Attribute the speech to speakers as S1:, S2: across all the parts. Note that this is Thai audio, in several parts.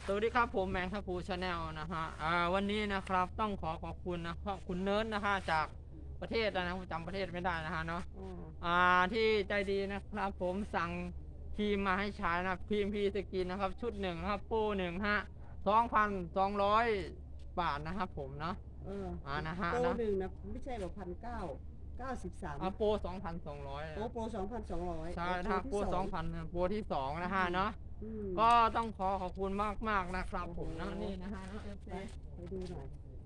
S1: สวัสดีครับผมแมงทัพพูชาแนลนะฮะวันนี้นะครับต้องขอบคุณนะครับคุณเนิร์ดนะฮะจากประเทศนะผมจำประเทศไม่ได้นะฮะเนาะที่ใจดีนะครับผมสั่งครีมมาให้ใช้นะครีมพีสกินนะครับชุดหนึ่งนะครับโปรหนึ่งฮะ2,200 บาทนะครับผมเนาะนะฮะ
S2: โปรหนึ่งนะไม่ใช่แบบ1,993
S1: โปร2,200
S2: โปร2,200
S1: ใช่นะครับโปร2,000โปรที่2นะฮะเนาะก็ต้องขอบคุณมากนะครับผมนะนี่นะฮะ
S2: ไปดูหน่อย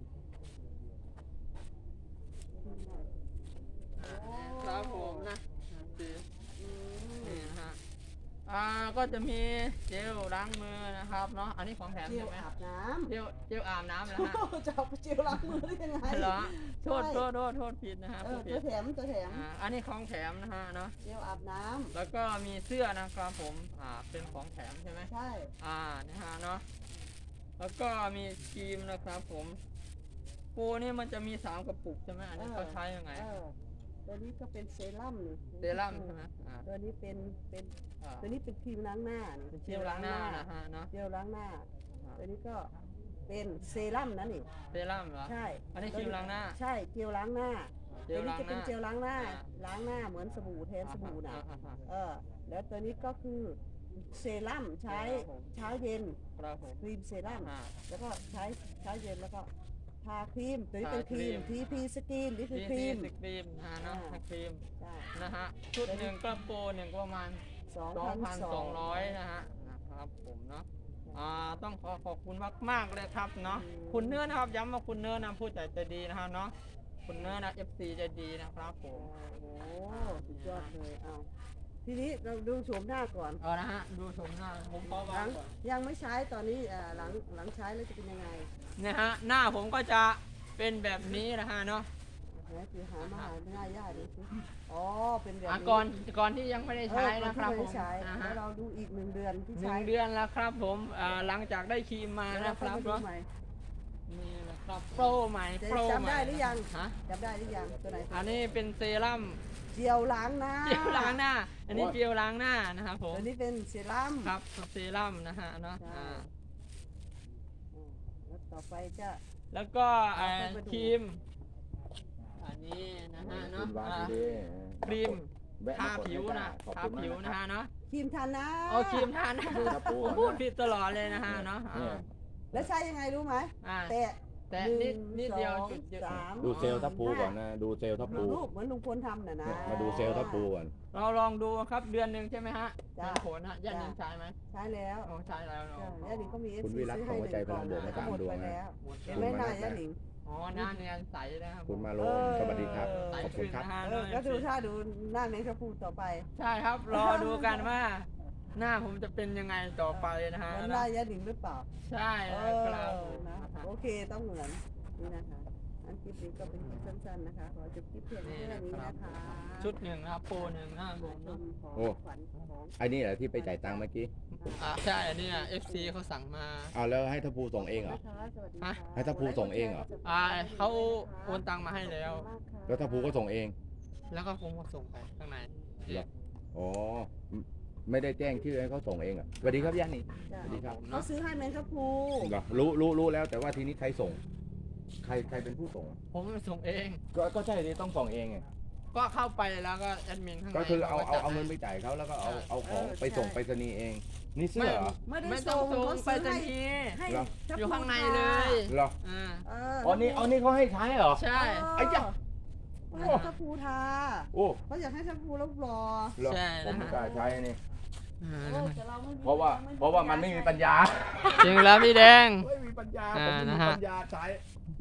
S1: ครับผมนะนี่นะฮะก็จะมีเจลล้างมือนะครับเนาะอันนี้ของแถมใช่ไหม
S2: อาบน้
S1: ำเจลอาบน้ำนะฮะ
S2: จะเอาเจลล้างมือได้ยังไง
S1: เหรอโทษผิดนะฮะ
S2: ตัวแถม
S1: อันนี้ของแถมนะฮะเนาะ
S2: เจลอาบน้ำ
S1: แล้วก็มีเสื้อนะครับผมเป็นของแถมใช่ไหม
S2: ใช่
S1: นะฮะเนาะแล้วก็มีครีมนะครับผมโปรนี่มันจะมี3 กระปุกใช่ไหมอันนี้เขาใช้ยังไง
S2: ตัวนี้ก็เป็นเซรั่ม
S1: เซรั่มใช่ไหม
S2: ตัวนี้เป็นตัวนี้เป็นครีมล้างหน้า
S1: เป็นเจลล้างหน้านะฮะเนาะ
S2: เจลล้างหน้าตัวนี้ก็เป็นเซรั่มนะนี่
S1: เซรั่มเหรอ
S2: ใช่
S1: อันนี้ครีมล้างหน้า
S2: ใช่เจลล้างหน้าตัวนี้จะเป็นเจลล้างหน้าเหมือนสบู่แทนสบู่นะแล้วตัวนี้ก็คือเซรั่มใช้เช้าเย็นครีมเซรั่มแล้วก็ใช้เย็นแล้วก็ทาครีมตัวนี้เป็นครีมทีพีสกินนี่คือครีม
S1: นะเนาะครีมนะฮะชุดหนึ่งก็โปรหนึ่งประมาณ2,200นะครับผมเนาะต้องขอบคุณมากเลยครับเนาะคุณเนื้อนะครับย้ำว่าคุณเนื้อนะผู้ใจดีนะฮะเนาะคุณเนื้อนะ FC ใจดีนะครับผม
S2: โอ้สุดยอดเลยทีนี้เราดูโฉมหน้าก่อน
S1: นะฮะดูโฉมหน้าผมขอวางก่อน
S2: ยังไม่ใช้ตอนนี้หลังใช้แล้วจะเป็นยังไง
S1: เนี่ยฮะหน้าผมก็จะเป็นแบบนี้นะฮะเนาะ
S2: คือหามาหน้ายากดิเป็นแบบนี้
S1: ก่อนที่ยังไม่ได้ใช้นะครับผม
S2: แล้วเราดูอีก1 เดือนที่ใช้
S1: 1 เดือนแล้วครับผมหลังจากได้ครีมมานะครับเนาะนี่นะครับโปรใหม่
S2: จำได้หรือยังจำได้หรือยังตัวไหน
S1: อันนี้เป็นเซรั่ม
S2: เจลล้างหน้า
S1: อันนี้เจลล้างหน้านะครับผม
S2: อันนี้เป็นเซรั่ม
S1: ครับเซรั่มนะฮะเนาะ
S2: แล้วต่อไป
S1: แล้วก็ครีมอันนี้นะฮะเนาะครีมทาผิวนะฮะเนาะ
S2: ครีมทาหน้า
S1: ครีมทาหน้าพูดผิดตลอดเลยนะฮะเนาะ
S2: แล้วใช้ยังไงรู้ไหม
S1: แต่นิดเดียวจุด
S3: ดูเซลล์ทับพูก่อนนะดูเซลล์ทับพู
S2: รูปเหมือนลุงพลทำน่ะนะ
S3: มาดูเซลล์ทับพูก่อน
S1: เราลองดูครับเดือนหนึ่งใช่ไหมฮะผลฮะย่านิงใช้ไหม
S2: ใช้แล้ว
S1: ใช้แล้วเนาะ
S2: ย่านิงก็มี
S3: คุณวิรัตของหัวใจพลังบวกมา3 ดวง
S2: แล้วเห็นไหมหน้าย่านิง
S1: หน้าเนียนใสนะครับ
S3: คุณมาโลสวัสดีครับขอบคุณครับ
S2: ก็ดูหน้าเมฆพูต่อไป
S1: ใช่ครับรอดูกันว่าหน้าผมจะเป็นยังไงต่อไปนะฮะ
S2: หน้าย่านิงหรือเปล่า
S1: ใช่ครับ
S2: โอเคต้องเหมือนนี่นะคะคลิปนี้ก็เป็นคลิปสั้นๆนะคะขอจบคลิปเพียงแค่นี้นะคะ
S1: ชุดหนึ่งนะครับโปรหนึ่งนะผม
S3: ไอ้นี่แหละที่ไปจ่ายตังค์เมื่อกี้
S1: ใช่อันนี้FC เขาสั่งมา
S3: แล้วให้ทัพพูส่งเองเหรอให้ทัพพูส่งเองเหรอ
S1: เขาโอนตังมาให้แล้ว
S3: แล้วทัพพูก็ส่งเอง
S1: แล้วก็ผมก็ส่งไปข้างใน
S3: ไม่ได้แจ้งชื่อให้เขาส่งเองอ่ะสวัสดีครับย่านี่สวัสดีครับ
S2: เขาซื้อให้แมงทัพพู
S3: รู้แล้วแต่ว่าทีนี้ใครส่งใครเป็นผู้ส่ง
S1: ผมส่งเอง
S3: ก็ใช่ดิต้องส่งเองไง
S1: ก็เข้าไปแล้วก็แอดมินข้างใน
S3: ก็คือเอาเงินไปจ่ายเขาแล้วก็เอาของไปส่งไปรษณีย์เองนี่เสื้อเหรอ
S1: ไม่ต้องส่งไปรษณีย์อยู่ข้างในเลย
S3: เหรอนี่เขาให้ใช้เหรอ
S1: ใช่
S3: ไอ้จ้ะ
S2: ทัพพูทาเขาอยากให้ทัพพูแล้วรอ
S1: ใช่
S3: ผมไม่กล้าใช้นี่เพราะว่ามันไม่มีปัญญา
S1: จริงแล้วพี่แดง
S3: ไม่มีปัญญาผมไม่มีปัญญาใช้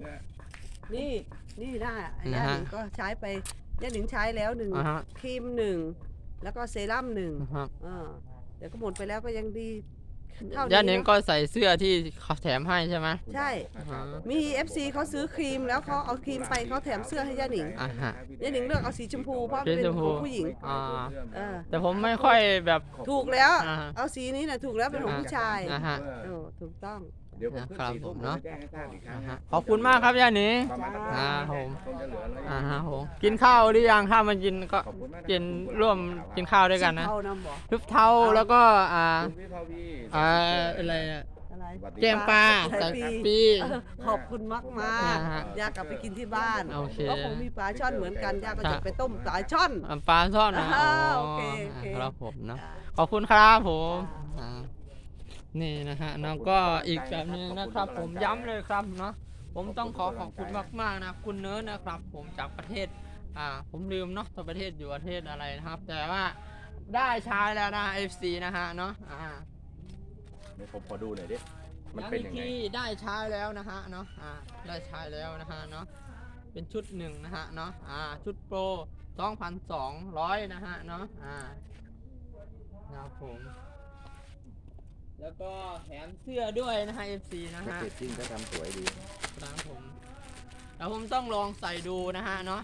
S2: นี่ได้ย่าหนิงก็ใช้ไปย่าหนิงใช้แล้ว1ครีม1แล้วก็เซรั่ม1เดี๋ยวก็หมดไปแล้วก็ยังดี
S1: ย่าหนิงก็ใส่เสื้อที่เขาแถมให้ใช่ไหม
S2: ใช่มี FC เขาซื้อครีมแล้วเขาเอาครีมไปเขาแถมเสื้อให้ย่าหนิงย่าหนิงเลือกเอาสีชมพูเพราะเป็นของผู้หญิง
S1: แต่ผมไม่ค่อยแบบ
S2: ถูกแล้วเอาสีนี้นะถูกแล้วเป็นของผู้ชายถูกต้อง
S3: เดี๋ยวผมขึ้น
S1: ครับ
S3: 4 ทุ่ม
S1: ผมเนอะ
S3: ผมจะแจ้งให้ทราบอีกครั้ง
S1: ขอบคุณมากครับย่าหนี
S3: ประมาณนั้น
S1: ครับผม
S3: คงจะเหลืออะไร
S1: ผมกินข้าวหรือยังข้าวมากินก็
S3: ขอบคุณมากะ
S1: กิน
S3: คุณ
S1: ร่วมกินข้าวด้วยกันนะ
S2: เท่าน้ำบ่
S1: ทุบเท้าแล้วก็
S3: คุณวิภาวี
S1: อะไรอะ
S2: อะไร
S3: สวัสดี
S1: แกงปลา
S2: ใส่
S1: ใส่
S2: ปี
S1: ปี
S2: ขอบคุณมากมาก
S1: อ่าฮะ
S2: ย่ากลับไปกินที่บ้าน
S1: โอเค
S2: ก็คงมีปลาช่อนเหมือนกันย่าก็
S1: ครั
S2: จะ
S1: บ
S2: ไปต้มปลาช่อน
S1: ปลาซ่อนนะ
S2: โอเคโอเค
S1: ครับผมเนาะ
S2: จ้า
S1: ขอบคุณครับผม
S2: จ้า
S1: นี่นะฮะแล้วก็อีกแบบหนึงนะครับ ผมย้ำเลยครับเนาะผมต้องขอบคุณมากๆนะคุณเนิร์ดนะครับ ผมจากประเทศผมลืมเนาะตัวประเทศอยู่ประเทศอะไรนะครับ แต่ว่าได้ใช้แล้วนะ FC นะฮะเนาะ
S3: เดี๋ยวผมขอดูหน่อยดิมันเป็นยังไง
S1: ที่ได้ใช้แล้วนะฮะเนาะได้ใช้แล้วนะฮะเนาะเป็นชุดหนึ่งนะฮะเนาะชุดโปร 2,200 นะฮะเนาะนะครับผมแล้วก็แถมเสื้อด้วยนะฮะ FC นะ
S3: แพ็ก
S1: ฮะ
S3: เกจจิ้งก็ทำสวยดี
S1: ครับผมแล้วผมต้องลองใส่ดูนะฮะเนาะ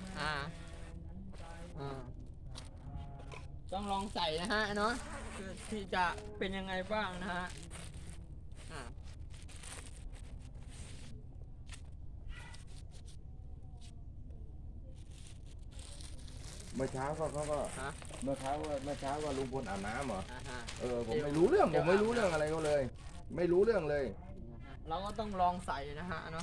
S1: ต้องลองใส่นะฮะเนาะที่จะเป็นยังไงบ้างนะฮะ
S3: เมื่อเช้าก็เขาก็
S1: ฮะ
S3: เมื่อเช้าว่าลุงพลอาบน้ำเหรอ
S1: ฮะ
S3: ผมไม่รู้เรื่องผมไม่รู้เรื่องอะไรเขาเลย ไม่รู้เรื่องเลย
S1: เราก็ต้องลองใส่นะฮะเนาะ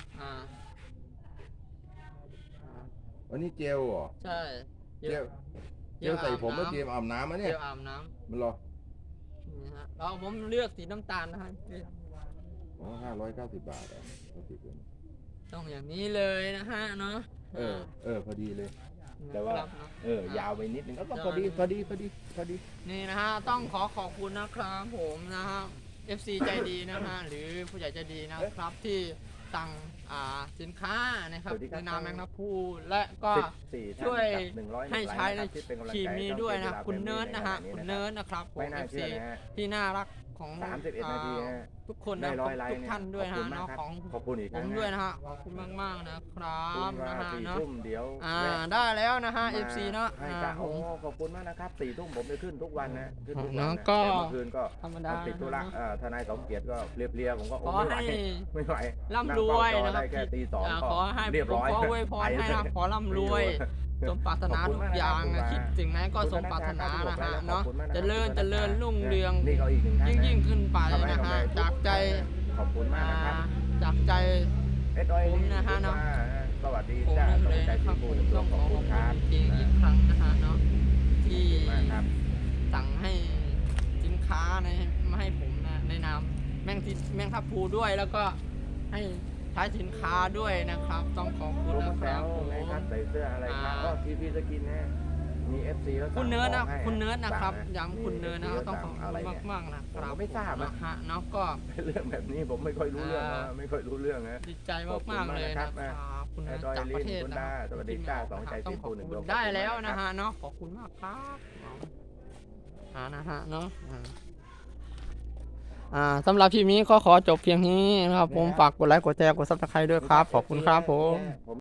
S3: วันนี้เจลเหรอ
S1: ใช่
S3: เจลใส่ผมแล้วเจลอาบน้ำมะ
S1: เจ
S3: เนี่ย
S1: ลอาบน้
S3: มันเหรอ
S1: ำนี่ฮะเราผมเลือกสีน้ำตาลนะฮะ
S3: อ๋อ590 บาทอ่ะ
S1: ต้องอย่างนี้เลยนะฮะเนาะ
S3: พอดีเลย แต่ว่า
S1: ครับเนาะ
S3: ยาวไปนิดนึงก็พอดี
S1: นี่นะฮะต้องขอบคุณนะครับผมนะฮะ FC ใจดีนะฮะหรือผู้ใหญ่ใจดีนะครับที่สั่งสินค้านะครับในนามแมงนาพูและก็ ช่วยให้ใช้ในครีมนี้ด้วยนะคุณเนิร์ดนะฮะคุณเนิร์ดนะครับผม
S3: ไม่น่า
S1: FC
S3: เชื่อนะฮะ
S1: ที่น่ารักของ
S3: 31 นาทีฮะ
S1: ทุกคน
S3: ได้
S1: นะ
S3: 100 ไลค์
S1: ทุกท่านด้วยนะฮะเนาะของ
S3: ขอบคุณอีก
S1: ผม
S3: นะ
S1: ด้วยนะฮะขอบคุณมากๆนะครับนะฮะ
S3: 4
S1: เนาะ
S3: ทุ่มเดี๋ยว
S1: ได้แล้วนะฮะ FC เนาะ
S3: ให้จ้าขอบคุณมากนะครับ4 ทุ่มผมจะขึ้นทุกวันนะขึ้นทุกวัน
S1: เนาะ
S3: นะ
S1: ก็
S3: แต่เมื่อคืนก็
S1: ธรรมดา
S3: ติดธุระทนายสมเกียรติก็เพลียๆผมก็
S1: ขอให้
S3: ไม่ไหว
S1: ร่ำรวยนะครับ
S3: ได้แค่ตี 2
S1: ขอให้
S3: เรียบร้อย
S1: ผมขออวยพรให้นะขอร่ำรวยสมปรารถนาทุกอย่างนะคิดสิ่งไหนก็สมปรารถนานะฮะเนาะเจริญรุ่งเรือง
S3: นี่ก็อีกหนึ่งท่าน
S1: ยิ่งขึ้นไปนะฮะจากใจ
S3: ขอบคุณมากนะครับ
S1: จากใจ ผมนะฮะเนาะ
S3: สวัสดี
S1: ผม
S3: จ้า
S1: นั่น
S3: ส
S1: เลย
S3: วัสดี
S1: นะครับ
S3: พี่
S1: ผ
S3: ปู
S1: ม
S3: น
S1: ต้อง
S3: ข
S1: ข
S3: อ
S1: อบ
S3: คุณครับ
S1: คุณจริงๆอีกครั้งนะฮะเนาะที่
S3: มากครับ
S1: สั่งให้สินค้ามาให้ผมนะในนามแมงทับพลูด้วยแล้วก็ให้ใช้สินค้าด้วยนะครับ ต้องขอบคุณ
S3: รู้
S1: นะ
S3: มา
S1: ค
S3: แซ
S1: รับ
S3: ว
S1: ผม
S3: ไงครับใส่เสื้ออะไรครับก็ทีพีสกินนะมี FC แล้วสั่ง
S1: คุณเนิร์ดนะ
S3: ของให้
S1: คุณเนิร์ดนะครับ
S3: สั่ง
S1: ย้ำคุณเนิร์ดนะ
S3: มี
S1: ต้องข
S3: สั่
S1: อบ
S3: อะไร
S1: คุณ
S3: เนี่ย
S1: มากๆนะครับ
S3: ผมไม่ทราบ
S1: นะฮะเนาะก็
S3: เรื่องแบบนี้ผมไม่ค่อยรู้เรื่องนะไม่ค่อยรู้เรื่องนะ
S1: ดีใจมากๆเลยนะครับคุณเนิร์ดจากประเทศนะ
S3: สวัสดีจ้าสองใจ
S1: ต้
S3: สี
S1: องข
S3: ปู
S1: อบ
S3: หนึ่ง
S1: คุ
S3: ดว
S1: ณ
S3: ง
S1: ได้แล้วนะฮะเนาะขอบคุณมากครับนะฮะเนาะสำหรับคลิปนี้ก็ขอจบเพียงนี้นะครับผมฝากกดไลค์กดแชร์กดซับสไครต์ด้วยครับขอบคุณครับผม